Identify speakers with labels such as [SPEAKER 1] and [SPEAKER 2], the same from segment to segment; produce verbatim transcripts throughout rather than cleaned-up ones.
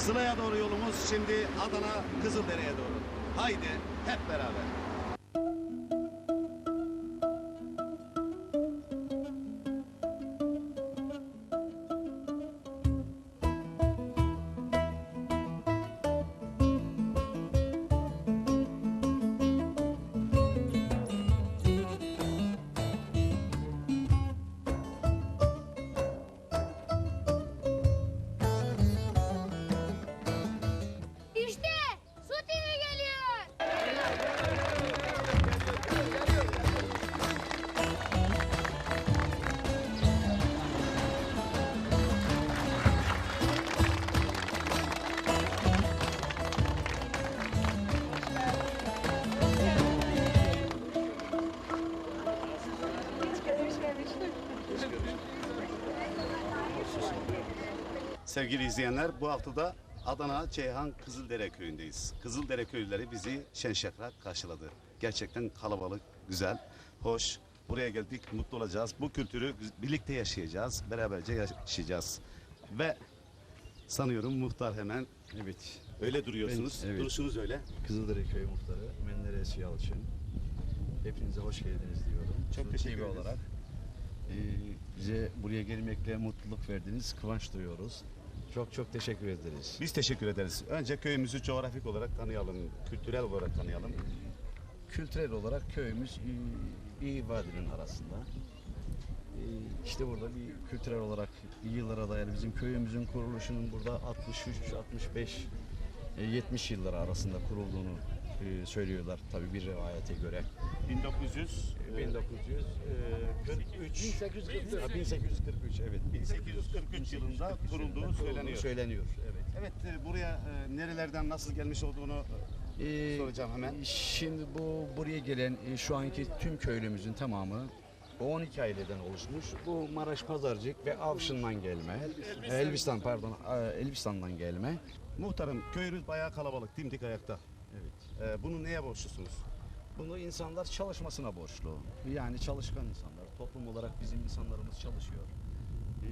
[SPEAKER 1] Sıla'ya doğru yolumuz şimdi Adana Kızıldere'ye doğru. Haydi hep beraber.
[SPEAKER 2] İşte Su T V geliyor.
[SPEAKER 1] Sevgili izleyenler, bu hafta da Adana Ceyhan Kızıldere köyündeyiz. Kızıldere köylüleri bizi şen şakrak karşıladı. Gerçekten kalabalık, güzel, hoş. Buraya geldik, mutlu olacağız. Bu kültürü birlikte yaşayacağız, beraberce yaşayacağız. Ve sanıyorum muhtar hemen,
[SPEAKER 3] Evet.
[SPEAKER 1] öyle duruyorsunuz,
[SPEAKER 3] Ben- evet.
[SPEAKER 1] duruşunuz öyle.
[SPEAKER 3] Kızıldere Köy Muhtarı Menderes Yalçın. Hepinize hoş geldiniz diyorum.
[SPEAKER 1] Çok
[SPEAKER 3] Su
[SPEAKER 1] teşekkür
[SPEAKER 3] T V
[SPEAKER 1] ederiz.
[SPEAKER 3] olarak e, bize buraya gelmekle mutluluk verdiniz. Kıvanç duyuyoruz. Çok çok teşekkür ederiz.
[SPEAKER 1] Biz teşekkür ederiz. Önce köyümüzü coğrafik olarak tanıyalım, kültürel olarak tanıyalım.
[SPEAKER 3] Kültürel olarak köyümüz e, bir vadinin arasında. E, işte burada bir kültürel olarak yıllara dayalı bizim köyümüzün kuruluşunun burada altmış üç altmış beş e, yetmiş yılları arasında kurulduğunu e, söylüyorlar tabii bir rivayete göre.
[SPEAKER 1] bin dokuz yüz
[SPEAKER 3] bin dokuz yüz kırk üç bin sekiz yüz kırk üç Ha, bin sekiz yüz kırk üç evet
[SPEAKER 1] bin sekiz yüz kırk üç yılında kurulduğu söyleniyor.
[SPEAKER 3] söyleniyor evet.
[SPEAKER 1] Evet, e, buraya e, nerelerden nasıl gelmiş olduğunu
[SPEAKER 3] Ee,
[SPEAKER 1] soracağım hemen.
[SPEAKER 3] Şimdi bu buraya gelen e, şu anki tüm köylümüzün tamamı on iki aileden oluşmuş. Bu Maraş Pazarcık ve Avşin'den gelme. Elbistan pardon, e, Elbistan'dan gelme.
[SPEAKER 1] Muhtarım, köyünüz bayağı kalabalık, dimdik ayakta.
[SPEAKER 3] Evet.
[SPEAKER 1] E, bunu neye borçlusunuz?
[SPEAKER 3] Bunu insanlar çalışmasına borçlu. Yani çalışkan insanlar. Toplum olarak bizim insanlarımız çalışıyor. Ee,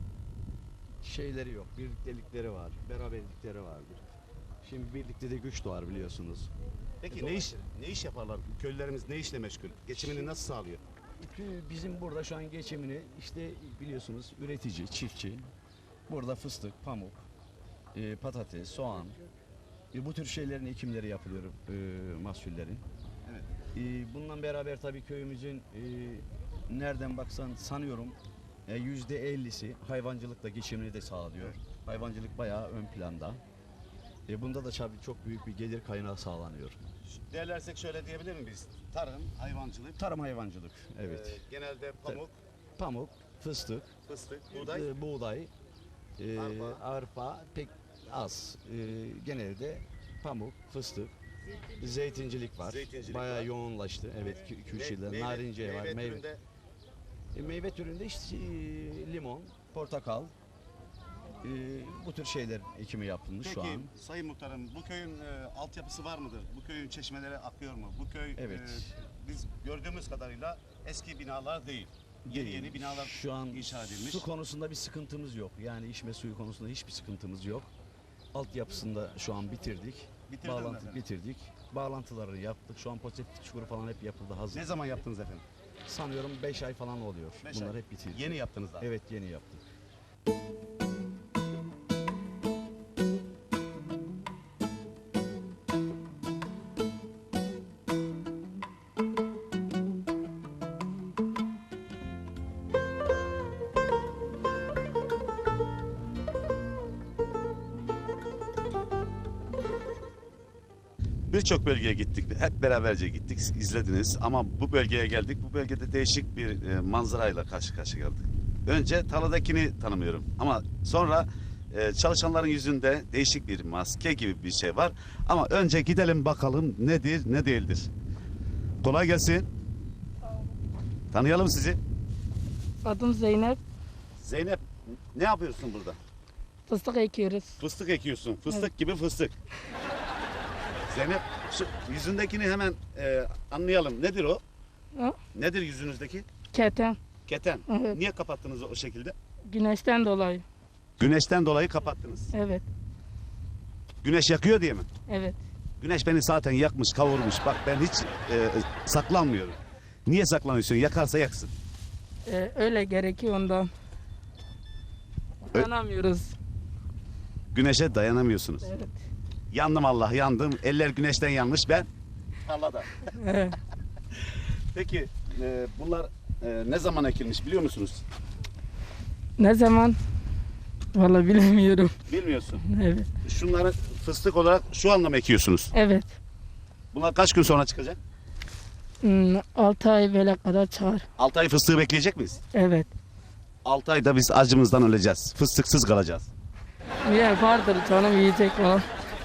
[SPEAKER 3] şeyleri yok. Birliktelikleri var. Beraberlikleri vardır. Şimdi birlikte de güç doğar biliyorsunuz.
[SPEAKER 1] Peki ne iş ne iş yaparlar? Köylülerimiz ne işle meşgul? Geçimini nasıl sağlıyor?
[SPEAKER 3] Bizim burada şu an geçimini işte biliyorsunuz üretici, çiftçi. Burada fıstık, pamuk, e, patates, soğan. E, bu tür şeylerin ekimleri yapılıyor e, mahsullerin.
[SPEAKER 1] Evet.
[SPEAKER 3] E, bununla beraber tabii köyümüzün e, nereden baksan sanıyorum e, yüzde ellisi hayvancılıkla geçimini de sağlıyor. Hayvancılık bayağı ön planda. E, bunda da tabii çok büyük bir gelir kaynağı sağlanıyor.
[SPEAKER 1] Değerlersek şöyle diyebilir miyiz biz? Tarım, hayvancılık,
[SPEAKER 3] Tarım hayvancılık, evet.
[SPEAKER 1] e, genelde pamuk,
[SPEAKER 3] Pamuk, fıstık,
[SPEAKER 1] fıstık, buğday.
[SPEAKER 3] e, buğday, e,
[SPEAKER 1] Arpa.
[SPEAKER 3] arpa pek az. E, genelde pamuk, fıstık, zeytincilik var.
[SPEAKER 1] Zeytincilik
[SPEAKER 3] Bayağı
[SPEAKER 1] var.
[SPEAKER 3] yoğunlaştı. Evet, kü- külşehirde
[SPEAKER 1] meyve-
[SPEAKER 3] narince var.
[SPEAKER 1] meyve
[SPEAKER 3] Meyve,
[SPEAKER 1] türünde
[SPEAKER 3] e, meyve türünde işte e, limon, portakal, e, bu tür şeyler ekimi yapılmış
[SPEAKER 1] Peki
[SPEAKER 3] şu an.
[SPEAKER 1] Sayın Muhtarım, bu köyün e, altyapısı var mıdır? Bu köyün çeşmeleri akıyor mu? Bu köy
[SPEAKER 3] Evet.
[SPEAKER 1] e, biz gördüğümüz kadarıyla eski binalar değil. Yeni
[SPEAKER 3] Değil.
[SPEAKER 1] yeni binalar
[SPEAKER 3] şu an
[SPEAKER 1] inşa edilmiş.
[SPEAKER 3] su konusunda bir sıkıntımız yok. Yani içme suyu konusunda hiçbir sıkıntımız yok. Altyapısında şu an bitirdik.
[SPEAKER 1] Bitirdiniz
[SPEAKER 3] Bağlantı
[SPEAKER 1] efendim.
[SPEAKER 3] bitirdik. Bağlantıları yaptık. Şu an pozitif çukuru falan hep yapıldı hazır.
[SPEAKER 1] Ne zaman yaptınız efendim?
[SPEAKER 3] Sanıyorum beş ay falan oluyor.
[SPEAKER 1] Beş
[SPEAKER 3] Bunlar
[SPEAKER 1] ay.
[SPEAKER 3] hep bitirdik.
[SPEAKER 1] Yeni yaptınız daha.
[SPEAKER 3] Evet yeni yaptık.
[SPEAKER 1] Birçok bölgeye gittik. Hep beraberce gittik. İzlediniz. Ama bu bölgeye geldik. Bu bölgede değişik bir e, manzarayla karşı karşıya geldik. Önce tarladakini tanımıyorum. Ama sonra e, çalışanların yüzünde değişik bir maske gibi bir şey var. Ama önce gidelim bakalım nedir ne değildir. Kolay gelsin. Tanıyalım sizi.
[SPEAKER 4] Adım Zeynep.
[SPEAKER 1] Zeynep, ne yapıyorsun burada?
[SPEAKER 4] Fıstık ekiyoruz.
[SPEAKER 1] Fıstık ekiyorsun. Fıstık gibi fıstık. Zeynep, şu yüzündekini hemen e, anlayalım. Nedir o?
[SPEAKER 4] Ha?
[SPEAKER 1] Nedir yüzünüzdeki?
[SPEAKER 4] Keten.
[SPEAKER 1] Keten.
[SPEAKER 4] Evet.
[SPEAKER 1] Niye kapattınız o şekilde?
[SPEAKER 4] Güneşten dolayı.
[SPEAKER 1] Güneşten dolayı kapattınız.
[SPEAKER 4] Evet.
[SPEAKER 1] Güneş yakıyor diye mi?
[SPEAKER 4] Evet.
[SPEAKER 1] Güneş beni zaten yakmış, kavurmuş. Bak ben hiç e, saklanmıyorum. Niye saklanıyorsun? Yakarsa yaksın.
[SPEAKER 4] Ee, öyle gerekiyor ondan.
[SPEAKER 1] Ö-
[SPEAKER 4] Dayanamıyoruz.
[SPEAKER 1] Güneşe dayanamıyorsunuz.
[SPEAKER 4] Evet.
[SPEAKER 1] Yandım Allah, yandım. Eller güneşten yanmış, ben tarlada.
[SPEAKER 4] Evet.
[SPEAKER 1] Peki e, bunlar e, ne zaman ekilmiş biliyor musunuz?
[SPEAKER 4] Ne zaman? Vallahi bilemiyorum.
[SPEAKER 1] Bilmiyorsun.
[SPEAKER 4] Evet.
[SPEAKER 1] Şunları fıstık olarak şu anda mı ekiyorsunuz?
[SPEAKER 4] Evet.
[SPEAKER 1] Bunlar kaç gün sonra çıkacak?
[SPEAKER 4] Hmm, altı ay böyle kadar çağır.
[SPEAKER 1] altı ay fıstığı bekleyecek miyiz?
[SPEAKER 4] Evet.
[SPEAKER 1] altı ayda biz acımızdan öleceğiz. Fıstıksız kalacağız.
[SPEAKER 4] Yer vardır canım yiyecek falan.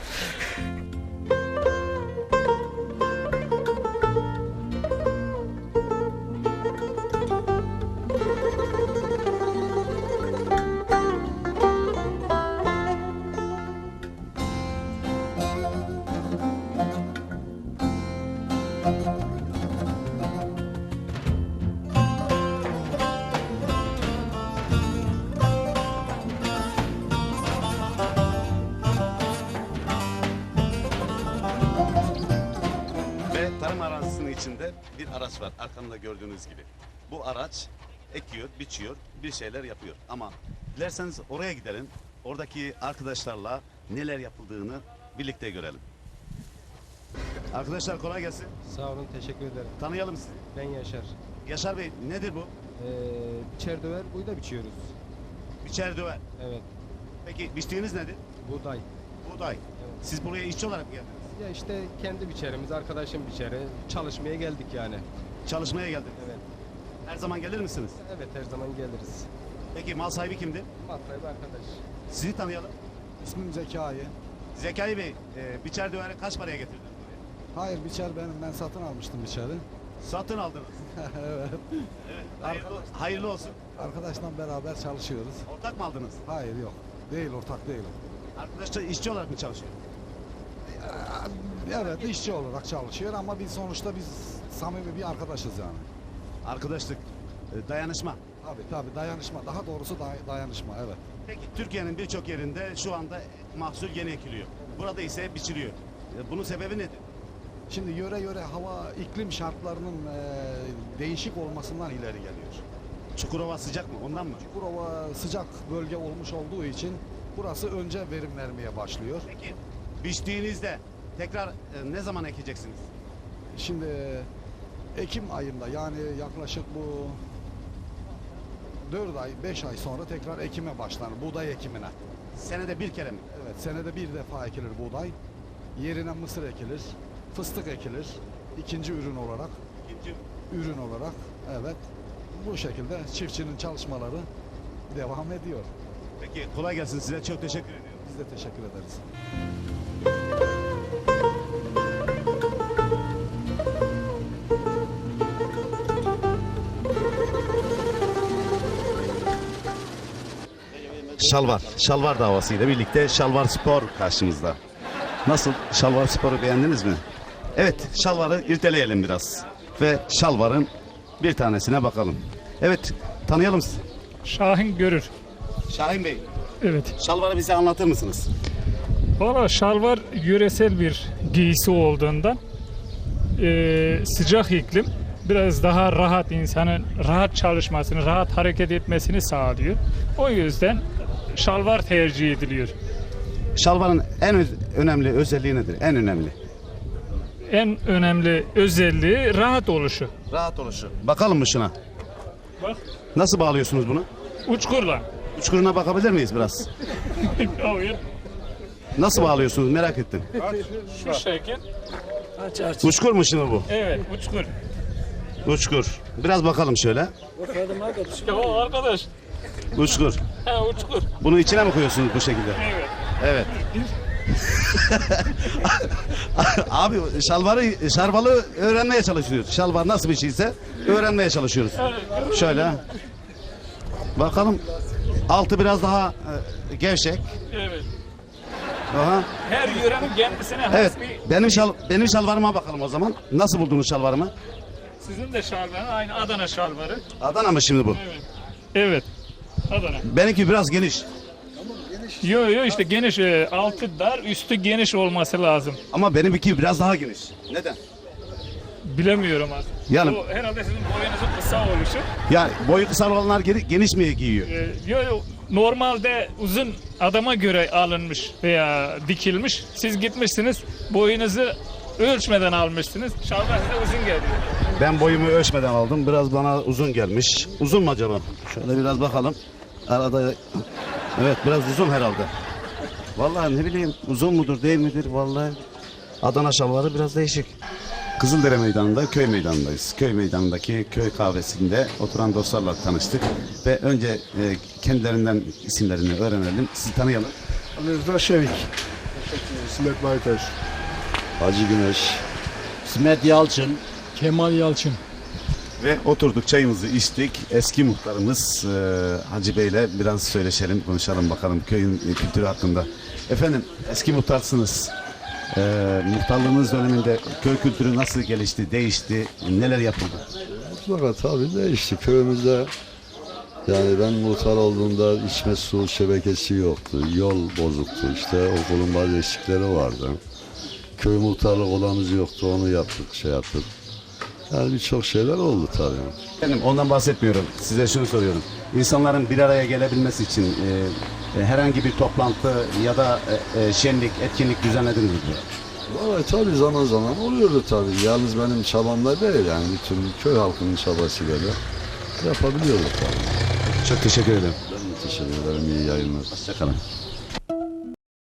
[SPEAKER 1] Ve tarım arazisinin içinde bir araç var arkamda gördüğünüz gibi. Bu araç ekiyor, biçiyor, bir şeyler yapıyor. Ama dilerseniz oraya gidelim. Oradaki arkadaşlarla neler yapıldığını birlikte görelim. Arkadaşlar kolay gelsin.
[SPEAKER 5] Sağ olun, teşekkür ederim.
[SPEAKER 1] Tanıyalım sizi.
[SPEAKER 5] Ben Yaşar.
[SPEAKER 1] Yaşar Bey nedir bu?
[SPEAKER 5] Ee, biçer döver, buğda biçiyoruz.
[SPEAKER 1] Biçer döver.
[SPEAKER 5] Evet,
[SPEAKER 1] Peki biçtiğiniz nedir?
[SPEAKER 5] buğday.
[SPEAKER 1] Buğday.
[SPEAKER 5] Evet.
[SPEAKER 1] Siz buraya işçi olarak mı geldiniz?
[SPEAKER 5] Ya işte kendi biçerimiz, arkadaşım biçeri. Çalışmaya geldik yani.
[SPEAKER 1] Çalışmaya geldiniz.
[SPEAKER 5] Evet.
[SPEAKER 1] Her zaman gelir misiniz?
[SPEAKER 5] Evet, her zaman geliriz.
[SPEAKER 1] Peki mal sahibi kimdir?
[SPEAKER 5] Matlayı bir arkadaş.
[SPEAKER 1] Sizi tanıyalım.
[SPEAKER 6] İsmim Zekai.
[SPEAKER 1] Zekai Bey, e, biçer döveri kaç paraya getirdiniz buraya?
[SPEAKER 6] Hayır biçer benim. Ben satın almıştım biçeri.
[SPEAKER 1] Satın aldınız.
[SPEAKER 6] Evet.
[SPEAKER 1] Evet. Hayırlı, hayırlı olsun.
[SPEAKER 6] Arkadaşla beraber çalışıyoruz.
[SPEAKER 1] Ortak mı aldınız?
[SPEAKER 6] Hayır yok. Değil ortak değil.
[SPEAKER 1] Arkadaşlar işçi olarak mı çalışıyor?
[SPEAKER 6] Evet işçi olarak çalışıyor ama biz sonuçta biz samimi bir arkadaşız yani.
[SPEAKER 1] Arkadaşlık, e, dayanışma.
[SPEAKER 6] Tabii tabii dayanışma. Daha doğrusu day- dayanışma evet.
[SPEAKER 1] Peki Türkiye'nin birçok yerinde şu anda mahsul yeni ekiliyor. Burada ise biçiliyor. E, Bunun sebebi nedir?
[SPEAKER 6] Şimdi yöre yöre hava iklim şartlarının e, değişik olmasından ileri geliyor.
[SPEAKER 1] Çukurova sıcak mı? Ondan mı?
[SPEAKER 6] Çukurova sıcak bölge olmuş olduğu için burası önce verim vermeye başlıyor.
[SPEAKER 1] Peki biçtiğinizde tekrar e, ne zaman ekeceksiniz?
[SPEAKER 6] Şimdi Ekim ayında yani yaklaşık bu dört ay beş ay sonra tekrar ekime başlanır. Buğday ekimine.
[SPEAKER 1] Senede bir kere mi?
[SPEAKER 6] Evet senede bir defa ekilir buğday. Yerine mısır ekilir. Fıstık ekilir. İkinci ürün olarak.
[SPEAKER 1] İkinci.
[SPEAKER 6] Ürün olarak. Evet. Bu şekilde çiftçinin çalışmaları devam ediyor.
[SPEAKER 1] Peki kolay gelsin size. Çok teşekkür ediyorum.
[SPEAKER 6] Biz de teşekkür ederiz.
[SPEAKER 1] Şalvar, Şalvar davasıyla birlikte Şalvar Spor karşımızda. Nasıl? Şalvar Spor'u beğendiniz mi? Evet, Şalvar'ı irdeleyelim biraz. Ve Şalvar'ın bir tanesine bakalım. Evet, tanıyalım sizi.
[SPEAKER 7] Şahin Görür.
[SPEAKER 1] Şahin Bey,
[SPEAKER 7] Evet.
[SPEAKER 1] Şalvar'ı bize anlatır mısınız?
[SPEAKER 7] Valla şalvar yöresel bir giysi olduğundan eee, sıcak iklim biraz daha rahat insanın rahat çalışmasını, rahat hareket etmesini sağlıyor. O yüzden şalvar tercih ediliyor.
[SPEAKER 1] Şalvar'ın en öz- önemli özelliği nedir? En önemli.
[SPEAKER 7] En önemli özelliği rahat oluşu.
[SPEAKER 1] Rahat oluşu. Bakalım mı şuna?
[SPEAKER 7] Bak
[SPEAKER 1] Nasıl bağlıyorsunuz bunu?
[SPEAKER 7] uçkurla.
[SPEAKER 1] Uçkuruna bakabilir miyiz biraz?
[SPEAKER 7] Hayır.
[SPEAKER 1] Nasıl bağlıyorsunuz merak ettim.
[SPEAKER 7] Şu şekil.
[SPEAKER 1] Uçkur mu şimdi bu?
[SPEAKER 7] Evet, uçkur.
[SPEAKER 1] Uçkur. Biraz bakalım şöyle.
[SPEAKER 7] Ya o arkadaş.
[SPEAKER 1] Uçkur.
[SPEAKER 7] Ha uçkur.
[SPEAKER 1] Bunu içine mi koyuyorsunuz bu şekilde?
[SPEAKER 7] Evet.
[SPEAKER 1] Evet. Abi şalvarı şarbalı öğrenmeye çalışıyoruz. Şalvar nasıl bir şeyse öğrenmeye çalışıyoruz. Şöyle. Bakalım. Altı biraz daha e, gevşek.
[SPEAKER 7] Evet.
[SPEAKER 1] Aha.
[SPEAKER 7] Her yörenin kendisine has
[SPEAKER 1] Evet.
[SPEAKER 7] bir...
[SPEAKER 1] Benim şal benim şalvarıma bakalım o zaman. Nasıl buldunuz şalvarımı?
[SPEAKER 7] Sizin de şalvarı aynı Adana şalvarı.
[SPEAKER 1] Adana mı şimdi bu?
[SPEAKER 7] Evet. Evet. Adana.
[SPEAKER 1] Benimki biraz geniş.
[SPEAKER 7] Yo yo işte geniş, e, altı dar, üstü geniş olması lazım.
[SPEAKER 1] Ama benimki biraz daha geniş. Neden?
[SPEAKER 7] Bilemiyorum artık.
[SPEAKER 1] Yani-
[SPEAKER 7] O herhalde sizin boyunuzun kısa oluşu.
[SPEAKER 1] Yani boyu kısa olanlar geri- geniş mi giyiyor?
[SPEAKER 7] E, yo yo normalde uzun adama göre alınmış veya dikilmiş. Siz gitmişsiniz boyunuzu ölçmeden almışsınız. Şalvar size uzun geliyor.
[SPEAKER 1] Ben boyumu ölçmeden aldım. Biraz bana uzun gelmiş. Uzun mu acaba? Şöyle biraz bakalım. Arada evet biraz uzun herhalde. Vallahi ne bileyim uzun mudur değil midir vallahi. Adana şalvarı biraz değişik. Kızıldere Meydanı'nda köy meydanındayız. Köy meydanındaki köy kahvesinde oturan dostlarla tanıştık. Ve önce e, kendilerinden isimlerini öğrenelim. Sizi tanıyalım.
[SPEAKER 8] Ali Rıza Şevik. İsmet Baytaş.
[SPEAKER 3] Hacı Güneş.
[SPEAKER 9] İsmet Yalçın.
[SPEAKER 8] Kemal Yalçın.
[SPEAKER 1] Ve oturduk çayımızı içtik. Eski muhtarımız e, Hacı Bey'le biraz söyleşelim, konuşalım bakalım köyün e, kültürü hakkında. Efendim eski muhtarsınız. E, muhtarlığınız döneminde köy kültürü nasıl gelişti, değişti, neler yapıldı?
[SPEAKER 10] Mutlaka tabii değişti. Köyümüzde yani ben muhtar olduğumda içme su şebekesi yoktu. Yol bozuktu. İşte okulun bazı eksikleri vardı. Köy muhtarlık odamız yoktu. Onu yaptık, şey yaptık. Yani birçok şeyler oldu tabii.
[SPEAKER 1] Efendim ondan bahsetmiyorum. Size şunu soruyorum. İnsanların bir araya gelebilmesi için e, e, herhangi bir toplantı ya da e, e, şenlik, etkinlik düzenlediniz mi?
[SPEAKER 10] Vallahi tabii zaman zaman oluyordu tabii. Yalnız benim çabamla değil yani bütün köy halkının çabasıyla da yapabiliyorduk tabii.
[SPEAKER 1] Çok teşekkür ederim.
[SPEAKER 10] Ben de teşekkür ederim. İyi yayınlar.
[SPEAKER 1] Hoşçakalın.